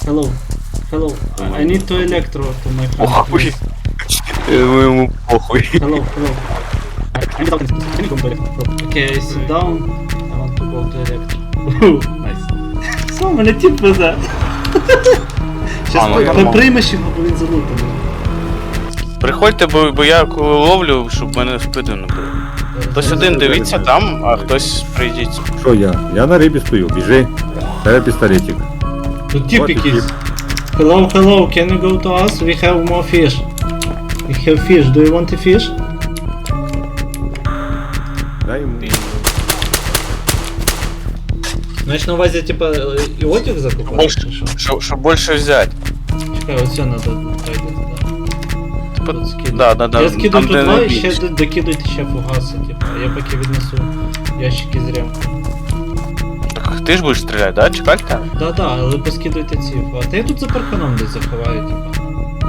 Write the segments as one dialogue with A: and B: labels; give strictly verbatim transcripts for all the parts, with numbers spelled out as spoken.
A: Hello. Hello. I need to electro to my friend.
B: Похуй. Ему похуй.
A: Hello, hello. I, I need to I need to go to electro. Okay, I sit down. I want to go to electro. Nice. Що, мене тип везе. Щас
B: А, ну,
A: при-
B: нормально.
A: приймеш його, бо він залутаний.
B: Приходьте, бо, бо я коли ловлю, щоб мене спити не було. Хтось один дивіться там, а хтось прийдіть.
C: Що я? Я на рибі стою, біжи. Це пістолетик.
A: Тут тип
C: От і
A: якийсь.
C: тип.
A: Hello, hello, can you go to us? We have more fish. We have fish. Do you want a fish?
C: Дай йому.
A: Знаєш, на увазі, типа, і одяг закупати,
B: Більше,
A: чи що?
B: щоб, щоб більше взяти.
A: Чекай, оце надо пойде туди.
B: Типа,
A: Тут скидаю.
B: да, да, да.
A: Я скидаю
B: там,
A: тут
B: де
A: два і
B: найбільше.
A: ще д- докидуйте ще фугаси, типа. Я поки віднесу ящики з ремкою.
B: Так ти ж будеш стріляти, да? Чекайте?
A: Да, да, але поскидуйте ці фугаси. Та я тут за парканом десь заховаю, типа.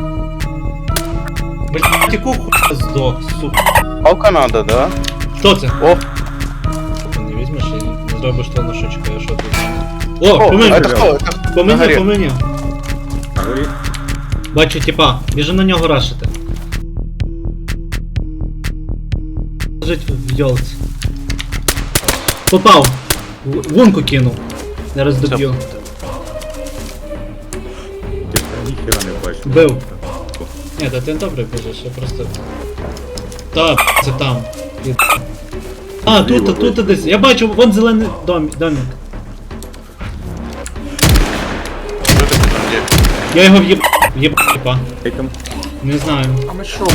A: Блін, яку хуя здох, сука.
B: Палка надо, да?
A: Хто це?
B: О,
A: Ти не візьмеш і не зробиш то на шучку, я що тут? О,
B: о,
A: по мені,
B: это хто? Это
A: по
B: на
A: мені,
B: горі.
A: по мені.
C: На горі.
A: Бачу, типа, біжи на нього рашити. Лежить в йолці. Попав. В- Вунку кинув. Зараз доб'ю.
C: Ти ніхера не бачиш.
A: Бив. Ні, та ти добре біжиш, я просто... Та, це там. Під- А, тут,
C: Зліва,
A: тут, тут десь. Я бачу, вон зелений дом, домик.
B: Що ти там є?
A: Я його в'єб... в'єб... типа.
C: Ей там.
A: Не знаю.
B: А ми що?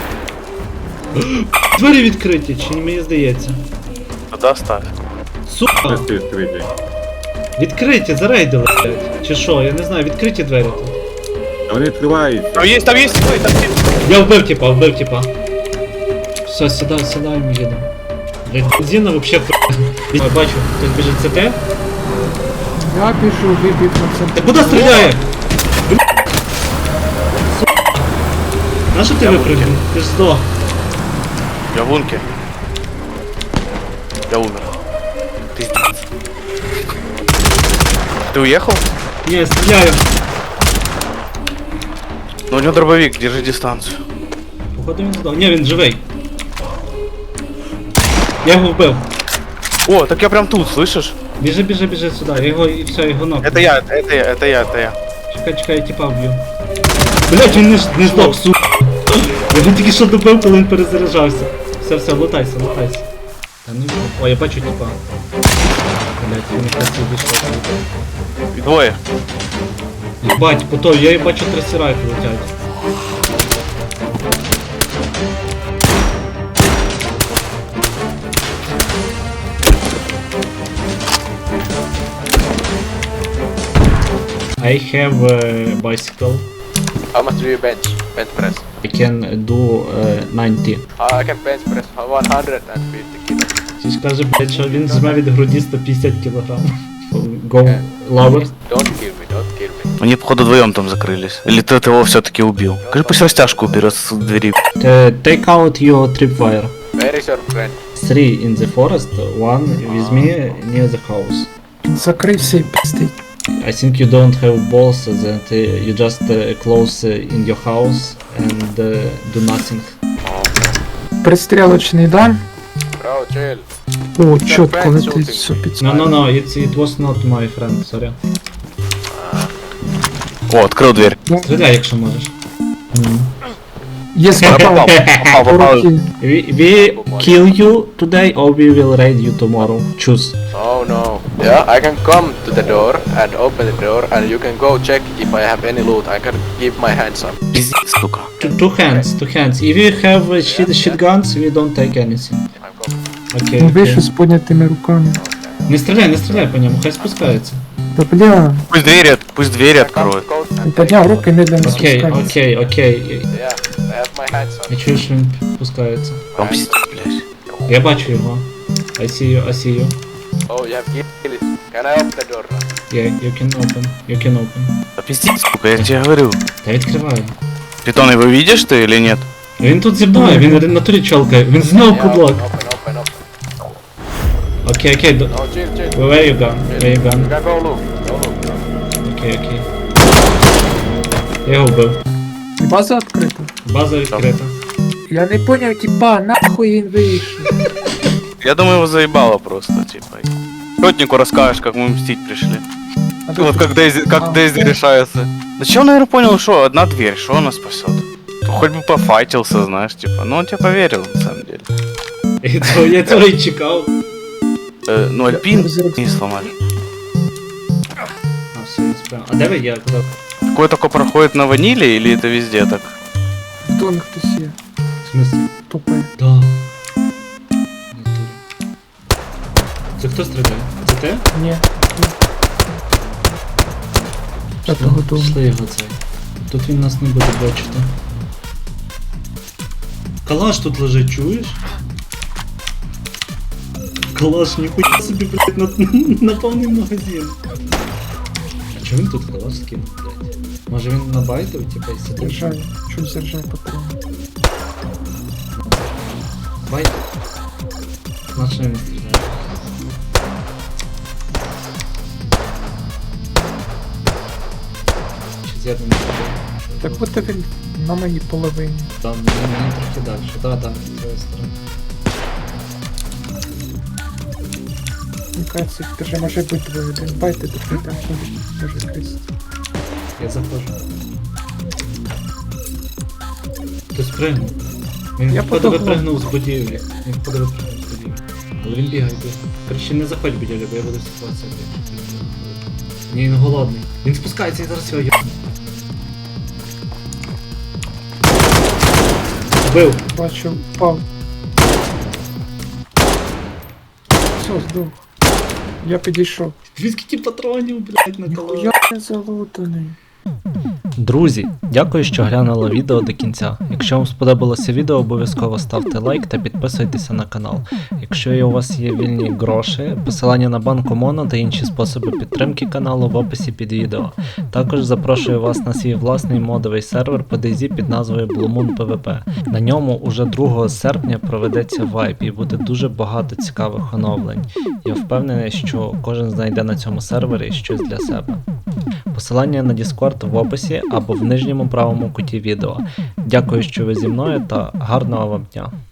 A: Двері відкриті, чи мені здається?
B: Тоді став.
A: Сука!
C: Де ти відкритий?
A: Відкриті, зарейдили, блядь. Чи що, я не знаю, відкриті двері тут.
C: А вони відкриваються.
B: Там є, там є, ой, там є.
A: Я вбив типа, вбив типа. Все, сідай, сідай, ми їдемо. Блядь, бензина вообще хуй. Я бачу, хтось біжить це те.
D: Я біжу, вибіг на центр.
A: Та куди стріляє? Блядь. Сука. На що ти випрыгнув? Ти ж здох.
B: Я в лунке. Я умер. Пиздец. Ты уехал?
A: Ні, я стріляю.
B: Ну у него дробовик, держи дистанцию.
A: Походу він здох. Ні, він живий. Я його вбив.
B: О, так я прям тут, слышишь?
A: Біжи, біжи, біжи сюди. Я його і все, його ног.
B: Это я, это я, это я, это я.
A: Чекай, чекай, я типа вб'ю. Блять, він не, ж- не здох, сука. Я він тільки що добив, коли він перезаряджався. Все, все, лутайся, лутайся. Та ну, о, я бачу типа. Блять, він якраз і вийшов.
B: И двое.
A: Єбать, пото, я і бачу трасірайки летять. I have a bicycle.
E: How much do you bench? Bench press.
A: I can do uh, ninety.
E: Uh, I can bench press one hundred fifty kilos.
A: Ти ж каже, блядь, що він зме від груді сто п'ятдесят кілограм. Go lower.
E: Don't kill me, don't kill me.
B: Они, походу, вдвоем там закрылись. Или ты его все-таки убил? Скажи, пусть растяжку уберет с двери.
A: Uh, take out your tripwire.
E: Where is your friend?
A: Three in the forest, one with me near the house.
D: Закрився і пиздить.
A: I think you don't have balls that uh, you just uh, close uh, in your house and uh, do nothing.
D: Пристрілочний, да?
E: Bro, chill.
D: О, чітко летить все під.
A: No, no, no, it's, it was not my friend, sorry.
B: О, открыл дверь.
A: Стріляй, якщо можеш.
D: Є
B: Попал,
D: спав.
B: попал, попал.
A: We, we kill you today or we will raid you tomorrow. Choose.
E: Oh no. Yeah, I can come to the door and open the door and you can go check if I have any loot. I can give my hands up.
B: Пиздец, сука.
A: Two, two hands, two hands. If you have uh, shit, shit guns, we don't take anything.
E: I'm coming.
A: Окей,
D: Ну,
A: окей.
D: вийшов з піднятими руками.
A: Не стріляй, не стріляй по ньому, хай спускається.
D: Та бля,
B: Пусть двери, от- пусть двери
E: Come
B: откроют.
E: to coast
D: він
E: and
D: підняв руки, медленно
A: Окей,
D: спускається.
A: окей, окей.
E: yeah, I have my hands up.
A: Я чую, що він спускається.
B: Там пиздец, блядь.
A: Я бачу його. I see you, I see you.
E: Oh, you have kill it. Can I open the door now?
A: Yeah, you can open, you can open.
B: Да пиздец, сука, я тебе говорю.
A: Та відкриваю.
B: Питон, его видишь ты или нет?
A: Він тут зі мною, він на турі чолкає, він знову
E: Yeah,
A: кублок.
E: open, open, open, open.
A: Окей, окей, до-
E: No, chill, chill.
A: where you gone? Where you
E: You
A: gone?
E: can go look. Go look.
A: Окей, окей. Я його вбив.
D: І база відкрита.
A: База відкрита.
D: Я не поняв, типа, нахуй він вийшов.
B: Я думаю, его заебало просто, типа. Сотнику расскажешь, как мы мстить пришли.
D: А
B: Вот
D: тут-
B: как Дейзи, как
D: А,
B: Дейзи
D: ну.
B: решается. Да че он, наверное, понял, что одна дверь, что она спасет? Хоть бы пофайтился, знаешь, типа. Ну он тебе поверил, на самом деле.
A: І цього- Я цього і чекав.
B: Э, ну альпин
D: Я зараз-
B: не сломали.
A: А, все, я справа. А де ви я? Куди?
B: Такое только проходит на ваниле или это везде так?
D: В домі хтось є.
A: В смысле?
D: Тупе.
A: Да. Це хто стріляє? Це ти?
D: Ні. Я того дому.
A: Пішли його цей. Тут він нас не буде бачити. Калаш тут лежить, чуєш? Калаш, ніхуя собі, блядь, на, на повний магазин. А чого він тут калаш скинув, блядь? Може він набайтив, типа, і сидить?
D: Заряджай. Чуть заряджай патрон.
A: Байт. Значить не стріляє. Чи з'єдно не стріляє?
D: Так от він на моїй половині.
A: Там, мені трохи далі. Да, да, з цієї сторони.
D: Мені кажеться, даже може бути двоє. Один байте, другий там може кристи.
A: Я заходжу. Хтось пригнув. Він
D: Я
A: походу
D: подумав.
A: випригнув з будівлі. Він походу випригнув з будівлі. Але він бігає, бігає. Короче, не заходь в будівлю, бо я буду ситуація. Ні, він голодний. Він спускається і зараз його є. Вбив.
D: Бачу, впав. Все, здох. Я підійшов.
A: Він скільки патронів, блядь, на коло.
D: Ніхуя не залутаний.
F: Друзі, дякую, що глянули відео до кінця. Якщо вам сподобалося відео, обов'язково ставте лайк та підписуйтеся на канал. Якщо у вас є вільні гроші, посилання на банку Моно та інші способи підтримки каналу в описі під відео. Також запрошую вас на свій власний модовий сервер по DayZ під назвою Blue Moon пі ві пі. На ньому уже другого серпня проведеться вайп і буде дуже багато цікавих оновлень. Я впевнений, що кожен знайде на цьому сервері щось для себе. Посилання на Discord в описі або в нижньому правому куті відео. Дякую, що ви зі мною та гарного вам дня!